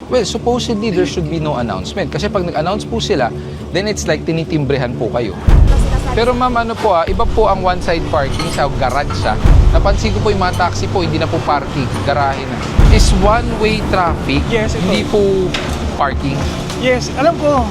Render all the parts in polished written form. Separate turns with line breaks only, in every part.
Well, supposedly there should be no announcement. Kasi pag nag-announce po sila, then it's like tinitimbrehan po kayo. Pero ma'am, ano po iba po ang one-side parking sa garage Napansin ko po yung mga taxi po, hindi na po parking, garahe na. Is one-way traffic,
Yes, ito.
hindi po parking.
Yes, alam ko.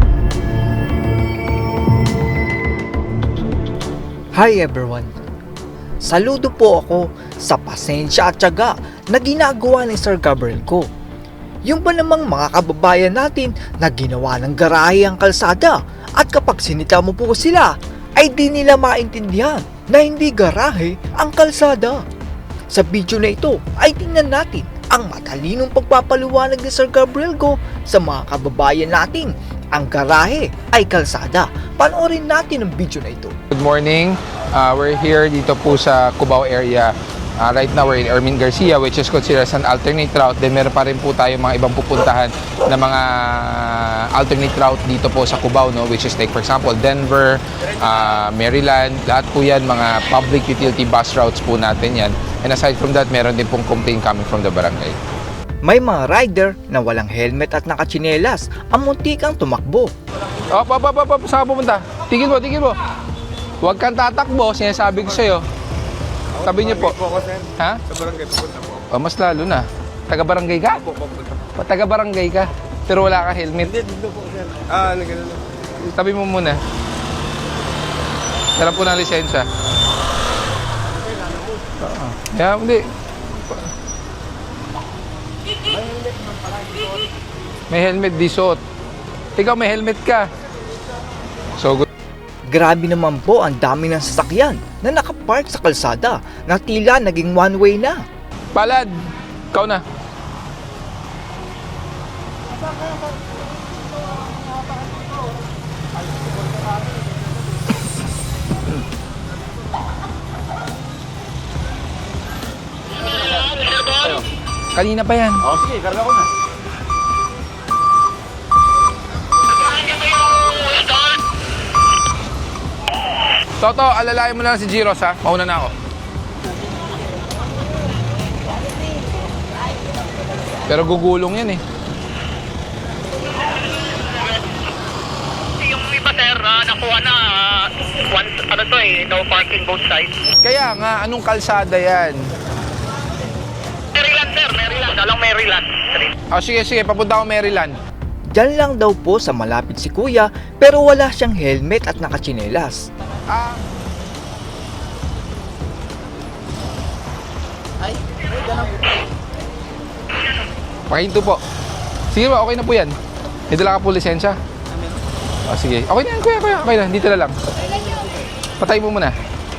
Hi everyone! Saludo po ako sa pasensya at tiyaga na ginagawa ni Sir Gabriel ko. Yung ba namang mga kababayan natin na ginawa ng garahe ang kalsada at kapag sinita mo po sila ay di nila maintindihan na hindi garahe ang kalsada. Sa video na ito ay tingnan natin ang matalinong pagpapaliwanag ni Sir Gabriel ko sa mga kababayan natin. Ang garahe ay kalsada. Panoorin natin ang video na ito.
Good morning. We're here dito po sa Cubao area. Right now we're in Ermin Garcia, which is considered as an alternate route. Then meron pa rin po tayo mga ibang pupuntahan na mga alternate route dito po sa Cubao, no? Which is like for example Denver, Maryland. Lahat po yan mga public utility bus routes po natin yan. And aside from that, meron din pong complaint coming from the barangay.
May mga rider na walang helmet at nakatsinelas ang muntikang tumakbo.
Saan ka pupunta? Tigil mo. Huwag kang tatakbo, sinasabi ko sa'yo. Sabi niyo po. Ha?
Sa barangay pupunta po.
Mas lalo na. Taga-barangay ka? Taga-barangay ka, pero wala ka helmet.
Dito po, sir. Nagano.
Tabi mo muna. Sarap po ng lisensya. Yeah, hindi. May helmet, di suot. Ikaw may helmet ka. So good.
Grabe naman po ang dami ng sasakyan na nakapark sa kalsada na tila naging one-way na.
Palad, ikaw na. Kanina pa yan.
Sige, karga ko na.
Toto, alalayan mo na lang si Giros ha. Mauna na ako. Pero gugulong yan eh.
Yung iba sir, nakuha na no parking both sides.
Kaya nga, anong kalsada yan?
Maryland sir, Maryland, along Maryland.
Sige, papunta ako Maryland.
Diyan lang daw po sa malapit si kuya pero wala siyang helmet at nakatsinelas.
Pakinto po. Sige ba, okay na po yan. May dala ka po lisensya? Sige. Okay na yan, kuya. Okay na, dito na lang. Patay mo muna.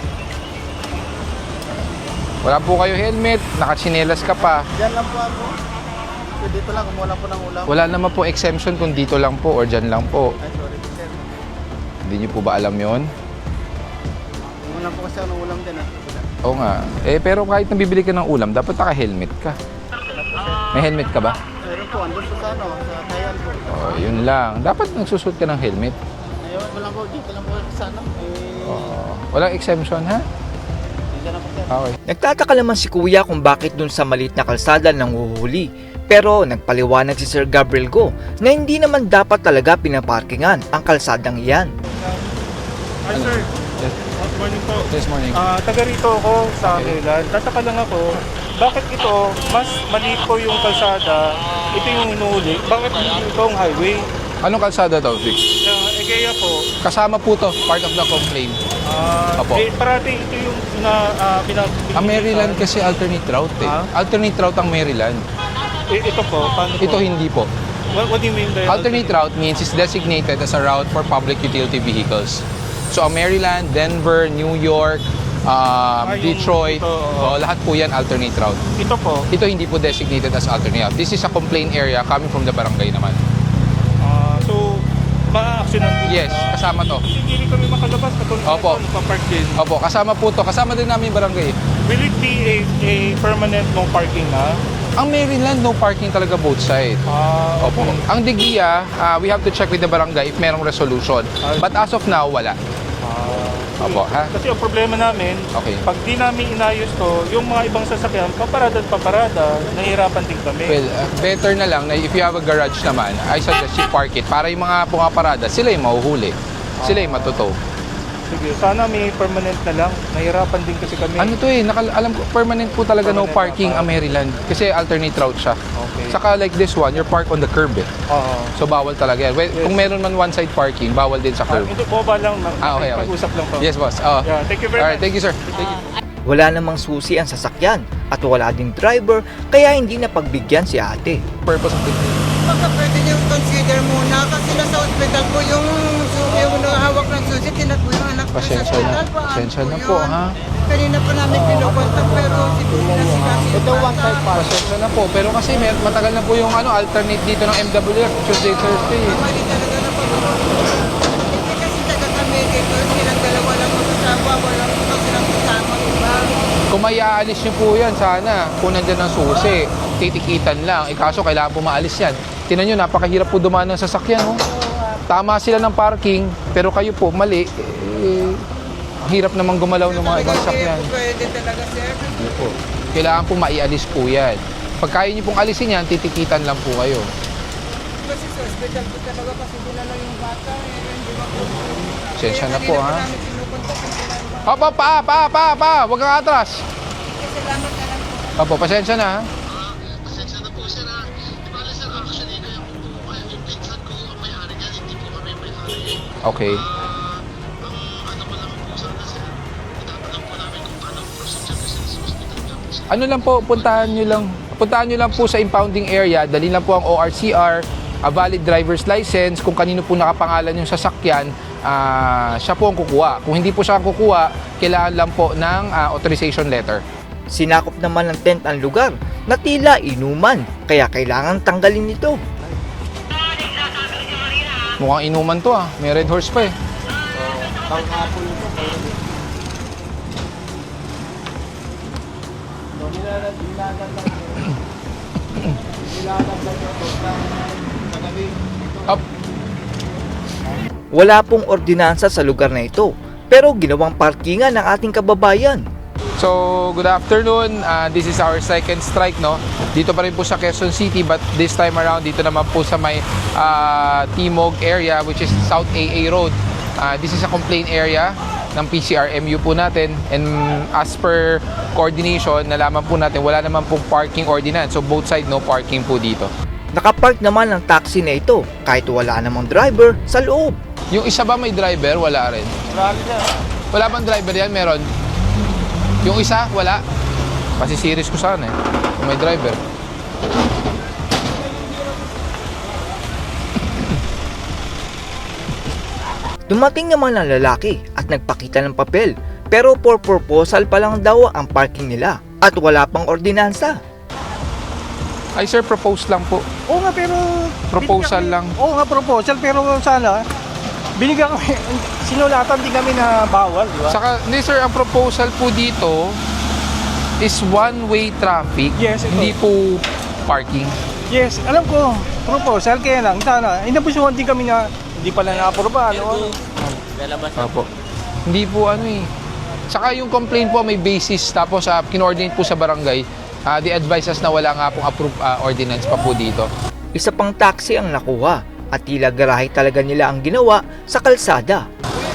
Wala po kayo helmet, nakatsinelas ka pa.
Diyan lang po ako. Dito lang, kumuha lang po ng ulam.
Wala naman po exemption kung dito lang po or dyan lang po.
Ay, sorry, sir.
Hindi niyo po ba alam yon?
Kumuha lang po kasi ako ng ulam din,
Oo nga. Pero kahit nabibili ka ng ulam, dapat naka-helmet ka. May helmet ka ba?
Meron po, andun po sa Tayan po.
Yun lang. Dapat nagsusot ka ng helmet.
Ngayon, wala po, dito lang po sa
Walang exemption, ha?
Dito lang po, sir.
Okay.
Nagtataka naman si kuya kung bakit dun sa maliit na kalsada nang huhuli. Pero nagpaliwanag si Sir Gabriel ko na hindi naman dapat talaga pinaparkingan ang kalsadang iyan.
Hi, sir.
Yes.
Good morning po.
This morning.
Taga rito ako sa Maryland. Tataka lang ako, bakit ito, mas maliit po yung kalsada, ito yung inuuli, bakit ito ang highway?
Anong kalsada to, Vic?
Egea po,
Kasama po to, part of the complaint. Opo.
parati ito yung
Ang Maryland kasi alternate route eh. Alternate route ang Maryland.
Ito po, paano po?
Ito hindi po.
What do you mean by
Alternate route means it's designated as a route for public utility vehicles. So ang Maryland, Denver, New York,
yung
Detroit,
ito,
lahat po yan alternate route.
Ito po,
Ito hindi po designated as alternate route. This is a complaint area coming from the barangay naman.
so, ma-actionan din.
Yes, kasama to.
Hindi kami makalabas, katulad
Opo.
ito, mapapark din.
Opo, kasama po to. Kasama din namin yung barangay.
Will it be a permanent no parking na?
Ang Maryland, no parking talaga both side. Opo. Ang Digia, we have to check with the barangay if merong resolution. But as of now, wala. Opo, ha?
Kasi ang problema namin,
Okay.
pag di namin inayos to, yung mga ibang sasakyan, paparada at paparada, nahihirapan din kami.
Well, better na lang na if you have a garage naman, I suggest you park it para yung mga pumaparada, sila yung mahuhuli. Sila yung matutow.
Sige, sana may permanent na lang. Nahihirapan din kasi kami.
Ano to alam ko, permanent po talaga no
Permanent
parking
na
ang Maryland. Kasi alternate route siya.
Okay.
Saka like this one, you're parked on the curb eh.
Oo.
So bawal talaga yan. Well,
Yes.
kung meron man one-side parking, bawal din sa curb.
Hindi, boba lang.
Okay.
Pag-usap lang po.
Yes, boss. Oh.
Yeah, thank you very
Alright,
much.
thank you, sir. Thank you.
Wala namang susi ang sasakyan at wala ding driver kaya hindi na pagbigyan si ate.
Purpose of the
Baka pwede niyo consider muna kasi nasa ospital po yung hawak ng susi, tinatbo yung anak ko sa
Pasensya
ospital.
na.
Paano
Pasensya na
yun?
po, ha?
Kanina pa namin pinukontak pero siguro na sila. Ito one side
Pasensya na po. Pero kasi matagal na po yung alternate dito ng MWF, Tuesday, Thursday.
Mali talaga na pag-uwi. Hindi kasi taga kami dito, silang dalawa lang mag-asawa, walang silang kasama, diba?
Kung may aalis nyo po yan, sana, kung nandyan ang susi, titikitan lang. Kaso kailangan po maalis yan. Tinan nyo, napakahirap po dumaan ng sasakyan. Oh. Tama sila ng parking, pero kayo po, mali. Ang hirap namang gumalaw ng mga ibang sasakyan.
Pwede talaga, sir.
Hindi po. Kailangan po maialis po yan. Pag kaya nyo pong alisin yan, titikitan lang po kayo.
Kasi sa ospital po talaga kasi dinala yung bata. Hindi ba po?
Pasensya na po, ha?
Namin pinukontak, hindi namin
Pa! Huwag kang atras.
salamat na lang po.
Opo, pasensya na, ha?
Pasensya na po sir ha. Di ba sir, actually kaya po yung pinsan ko ang may-ari niyan, hindi po kami may-ari.
Okay.
Ang ano ko lang po sana sir, itatanong po namin kung paano ang procedure kasi sa hospital nga po sir.
Ano lang po, puntahan nyo lang po sa impounding area, dali lang po ang ORCR, a valid driver's license, kung kanino po nakapangalan yung sasakyan, siya po ang kukuha. Kung hindi po siya ang kukuha, kailangan lang po ng authorization letter.
Sinakop naman ng tent ang lugar na tila inuman kaya kailangan tanggalin ito.
Mukhang inuman to may red horse pa eh. Up.
Wala pong ordinansa sa lugar na ito pero ginawang parkingan ng ating kababayan.
So, good afternoon. This is our second strike, no? Dito pa rin po sa Quezon City, but this time around, dito naman po sa may Timog area, which is South AA Road. This is a complaint area ng PCRMU po natin. And as per coordination, nalaman po natin, wala naman pong parking ordinance. So, both side, no parking po dito.
Nakapark naman ang taxi na ito kahit wala namang driver sa loob.
Yung isa ba may driver? Wala rin. Wala bang driver yan? Meron. Yung isa, wala. Kasi series ko sana eh. Kung may driver.
Dumating naman ang lalaki at nagpakita ng papel pero for proposal pa lang daw ang parking nila at wala pang ordinansa.
Ay sir, propose lang po.
Oo nga, pero...
Proposal
binigyan
lang.
kami- Oo nga, proposal. Pero sana, binigyan kami, sinulatan din kami na bawal, di ba?
Saka, hindi sir, ang proposal po dito is one-way traffic.
Yes, ito.
Hindi po parking.
Yes, alam ko, proposal. Kaya lang, sana, inabusuhan din kami na hindi pala na-aproba. Ano?
Opo. Hindi po ano eh. Saka yung complaint po may basis tapos kinoordinate po sa barangay. The advice us na wala nga pong approved ordinance pa po dito.
Isa pang taxi ang nakuha at tila garahe talaga nila ang ginawa sa kalsada.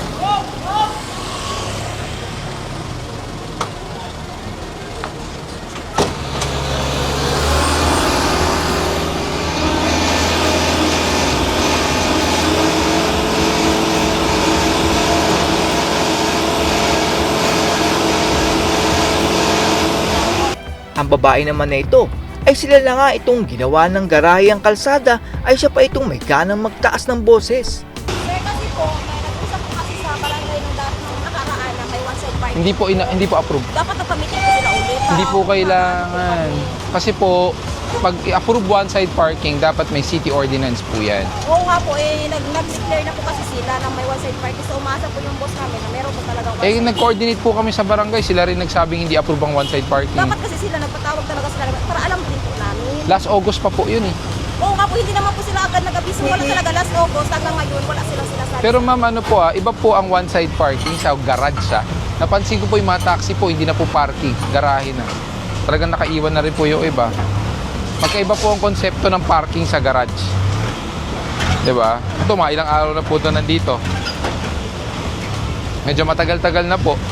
Ang babae naman na ito ay sila na nga itong ginawa ng garahe ang kalsada ay siya pa itong may ganang magtaas ng boses.
Sir, kasi po, may nag-usap po kasi sa barangay nung dati nung nakaraan na may one-side parking.
Hindi po approved.
Dapat nagpa-meeting po sila ulit.
Hindi po kailangan. Kasi po pag i-approve one-side parking, dapat may city ordinance po yan.
Oo nga po, nag-declare na po kasi sila na may one-side parking. So umasa po yung boss namin na meron po talagang one-side parking.
Nag-coordinate po kami sa barangay. Sila rin nagsabing hindi approve ang one-side parking.
Dapat kasi sila nagpatawag talaga sila para alam din po namin.
Last August pa po yun eh.
Oo nga po, hindi naman po sila agad nag Hindi wala talaga last August hanggang ngayon wala silang sinasabi.
Pero ma'am, ano po iba po ang one-side parking sa garage Napansin ko po yung mga taxi po, hindi na po parking, garahe na. Talagang nakaiwan na rin po yung iba. Magkaiba po ang konsepto ng parking sa garage. 'Di ba? Ito, mga ilang araw na po ito nandito. Medyo matagal-tagal na po.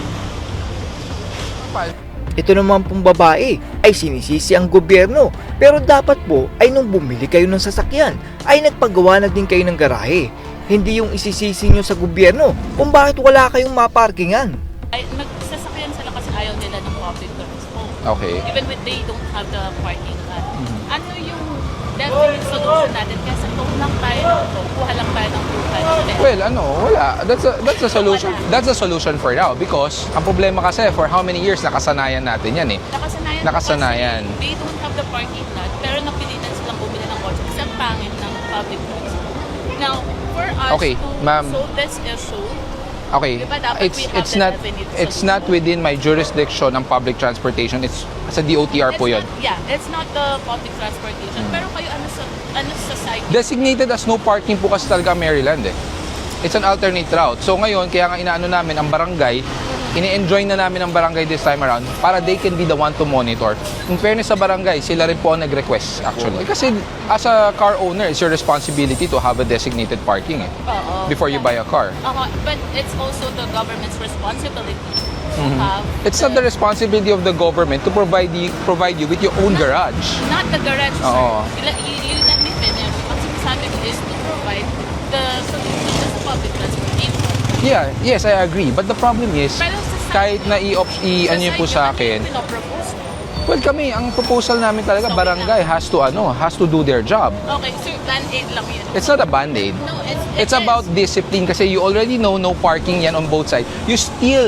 Ito naman pong babae ay sinisisi ang gobyerno, pero dapat po ay nung bumili kayo ng sasakyan ay nagpagawa na din kayo ng garahe. Hindi yung isisisi nyo sa gobyerno kung bakit wala kayong maparkingan.
Ay, nagsasakyan sila kasi ayaw nila ng public transport.
Okay.
Even when they don't have the parking lot. Ano yung definite solution natin? Kasi kung lang tayo, kuha lang tayo ng buhay.
Well, wala. That's a solution. That's a solution for now because ang problema kasi for how many years nakasanayan natin yan eh. Nakasanayan.
Kasi they don't have the parking lot, pero napilitan silang bumili ng kotse kasi ang pangit ng public transport. Now, for us
Okay,
to
ma'am.
solve this issue,
Okay.
Diba dapat we have the definite
It's not within my jurisdiction ng public transportation. It's sa DOTR po 'yon.
it's not the public transportation. Pero kayo, ano sa side?
Designated as no parking po kasi talaga ang Maryland eh. It's an alternate route. So ngayon, kaya nga inaano namin ang barangay, ini-enjoy na namin ang barangay this time around para they can be the one to monitor. In fairness sa barangay, sila rin po ang nag-request actually. Kasi as a car owner, it's your responsibility to have a designated parking eh, before you buy a car.
But it's also the government's responsibility to have.
It's not the responsibility of the government to provide you with your own garage.
Not the garage, sir.
Oo.
You let me finish. Ang sinasabi ko is to provide the solution to the public transportation.
Yeah, yes, I agree. But the problem is,
Pero sa
kahit na ano yun po sa akin,
pinopropose.
well kami, ang proposal namin talaga, barangay has to do their job.
Okay, sir, plan 8 lang yun.
It's not a band-aid.
No,
It's about discipline kasi you already know no parking yan on both sides. You still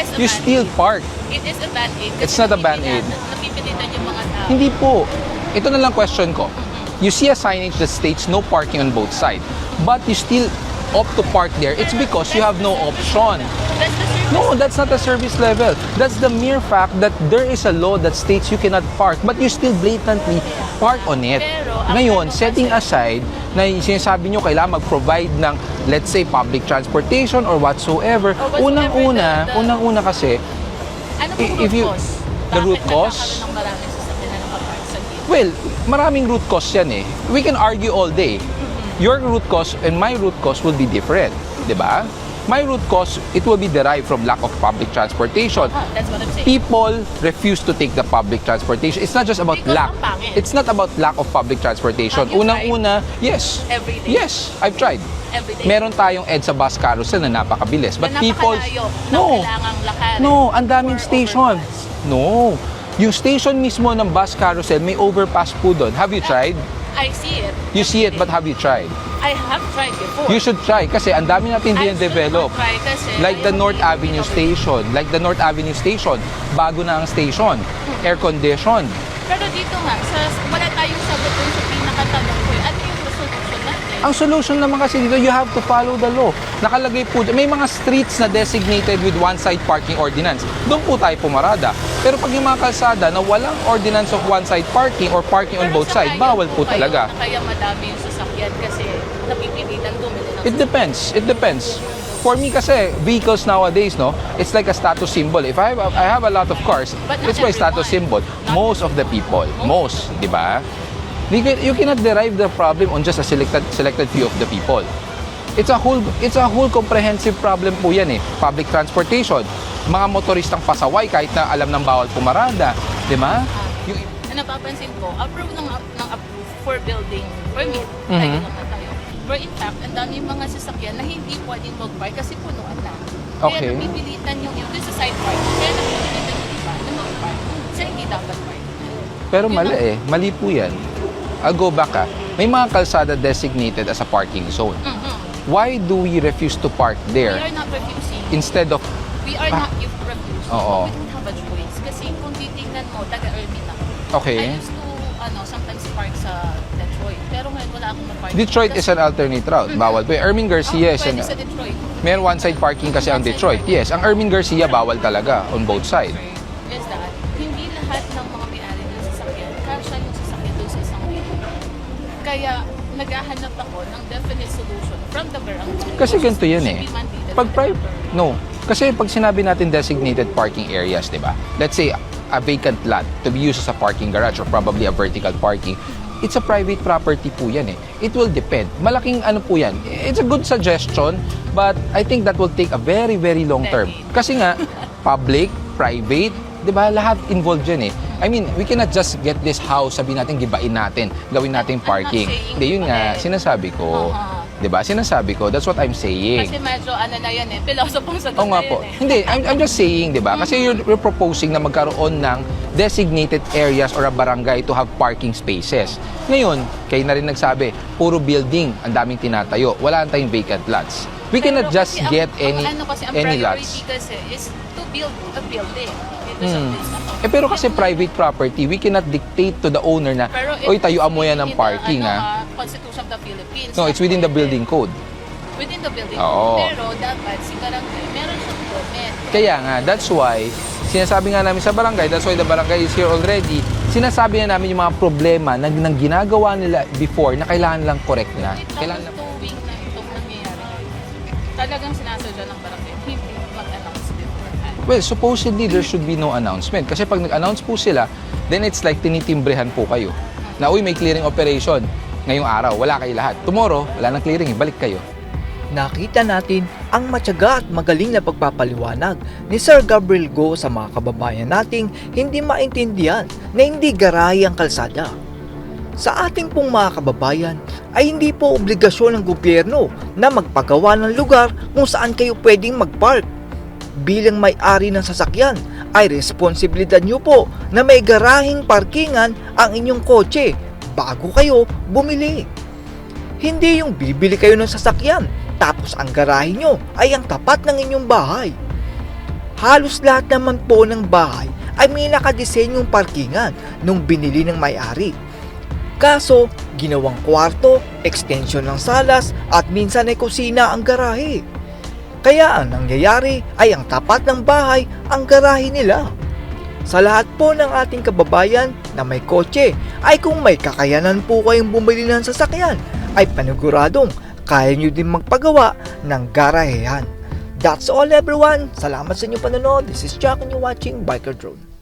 park.
It is a band-aid.
It's not a band-aid.
Napipilitan yung mga tao.
Hindi po. Ito na lang question ko. You see a signage that states no parking on both sides, but you still opt to park there. It's because you have no option.
That's the service.
No, that's not a service level. That's the mere fact that there is a law that states you cannot park, but you still blatantly park on it. Ngayon, setting aside na yung sinasabi nyo kailangan mag-provide ng, let's say, public transportation or whatsoever, unang-una kasi,
Ano po
if you-
root cause?
the root
Bakit
cause?
nagkakaroon ng maraming sasakyan na nakapark sa gilid?
well, maraming root cause yan eh. We can argue all day. Your root cause and my root cause will be different, di ba? My root cause, it will be derived from lack of public transportation.
That's what I'm saying.
People refuse to take the public transportation. It's not just about
Because
lack.
ang pangit.
It's not about lack of public transportation.
Have you
Unang-una, yes.
Every day?
Yes, I've tried.
Every day.
Meron tayong EDSA bus carousel na napakabilis. But
Na
people...
napakalayo na
No.
kailangang lakarin.
No, ang daming
or
station.
overpass.
No. Yung station mismo ng bus carousel, may overpass po doon. Have you tried?
I see it.
You see it, but have you tried?
I have tried before.
You should try kasi ang dami natin
I
din-develop.
should not try kasi
Like the
ayaw
North
ko yung
Avenue
pinag-
Station. Like the North Avenue Station. Bago na ang station. Air condition.
Pero dito nga, wala tayong sagot dun sa pinakatanong ko. Ano yung solution natin?
Ang solution naman kasi dito, you have to follow the law. Nakalagay po, may mga streets na designated with one-side parking ordinance. Doon po tayo pumarada. Pero pag yung mga kalsada na walang ordinance of one-side parking or parking on
Pero
both
sa
sides,
ngayon
bawal
po
po
kayo
talaga.
na Kaya madami yung sasakyan kasi napipilitan bumili ng
It depends. It depends. For me kasi, vehicles nowadays, no, it's like a status symbol. If I have a lot of cars,
But not
it's my status symbol.
everyone.
Most of the people. Most, di ba? You cannot derive the problem on just a selected few of the people. It's a whole comprehensive problem po yan eh. Public transportation, mga motoristang pasaway kahit na alam ng bawal pumarada, di ba? Yung
napapansin ko, approve ng approve for building permit.
Mhm.
Tayo naman tayo. But in fact, ang dami mga sasakyan na hindi pwedeng mag-park kasi punuan na.
Okay.
Kaya napipilitan yung doon sa side park. Kaya napipilitan yung iba na mag-park. Kasi hindi dapat park.
Pero mali eh. Mali po yan. I'll go back May mga kalsada designated as a parking zone. Why do we refuse to park
We
there
are not refusing.
instead of...
We are not refusing.
Oo.
We don't have a choice. Kasi kung titignan mo, taga-Ermin ako.
Okay.
I used to sometimes park sa Detroit. Pero ngayon wala akong na-park.
Detroit is an alternate route. Bawal po. Ermin Garcia is
Pwede
an...
sa Detroit.
May one-side parking kasi ang
One-side
Detroit.
parking.
Yes, ang Ermin Garcia bawal talaga on both sides.
Is that hindi lahat ng mga may-ari ng sasakyan, kasya yung sasakyan doon sa isang lane. Kaya naghahanap ako ng definite solution from the barangay.
Kasi ganito yan
Should
eh.
be mandated
Pag
by the
private,
barangay.
no. Kasi pag sinabi natin designated parking areas, di ba? Let's say a vacant lot to be used as a parking garage or probably a vertical parking, it's a private property po yan eh. It will depend. Malaking ano po yan. It's a good suggestion, but I think that will take a very, very long term. Kasi nga, public, private, di ba? Lahat involved yan eh. I mean, we cannot just get this house, sabihin natin, gibain natin, gawin natin parking. Hindi, yun nga, sinasabi ko. Di ba? Sinasabi ko, that's what I'm saying.
Kasi medyo ano na yan eh, pilosopong sa
Oo nga po. Hindi, I'm just saying, di ba? Kasi you're proposing na magkaroon ng designated areas or a barangay to have parking spaces. Ngayon, kayo na rin nagsabi, puro building, ang daming tinatayo. Wala tayong vacant lots. We cannot just get any lots.
Kasi is to build a building. Dito sa place na to.
Pero kasi private property, we cannot dictate to the owner na, oy, tayuan mo yan ng parking, ha?
Constitution of the Philippines.
No, it's within the building code.
Within the building.
Oo.
Pero dapat si barangay, meron siyang permit.
Kaya nga, that's why, sinasabi nga namin sa barangay, that's why the barangay is here already, sinasabi na namin yung mga problema na ginagawa nila before na kailangan lang correct na. Kailangan lang.
Tuwing na itong nangyayari. Talagang sinasadya ng barangay, hindi mag-announce beforehand.
Well, supposedly there should be no announcement. Kasi pag nag-announce po sila, then it's like tinitimbrehan po kayo. Na, uy, may clearing operation. Ngayong araw, wala kayo lahat. Tomorrow, wala nang clearing, balik kayo.
Nakita natin ang matyaga at magaling na pagpapaliwanag ni Sir Gabriel Go sa mga kababayan nating hindi maintindihan na hindi garahe ang kalsada. Sa ating pong mga kababayan ay hindi po obligasyon ng gobyerno na magpagawa ng lugar kung saan kayo pwedeng mag-park. Bilang may-ari ng sasakyan ay responsibilidad nyo po na may garaheng parkingan ang inyong kotse bago kayo bumili. Hindi yung bibili kayo ng sasakyan tapos ang garahe nyo ay ang tapat ng inyong bahay. Halos lahat naman po ng bahay ay may nakadesenyong parkingan nung binili ng may-ari. Kaso, ginawang kwarto, extension ng salas at minsan ay kusina ang garahe. Kaya ang nangyayari ay ang tapat ng bahay ang garahe nila. Sa lahat po ng ating kababayan na may kotse ay kung may kakayanan po kayong bumili ng sasakyan ay paniguradong kaya nyo din magpagawa ng garahehan. That's all everyone. Salamat sa inyong panonood. This is Jack and you're watching Biker Drone.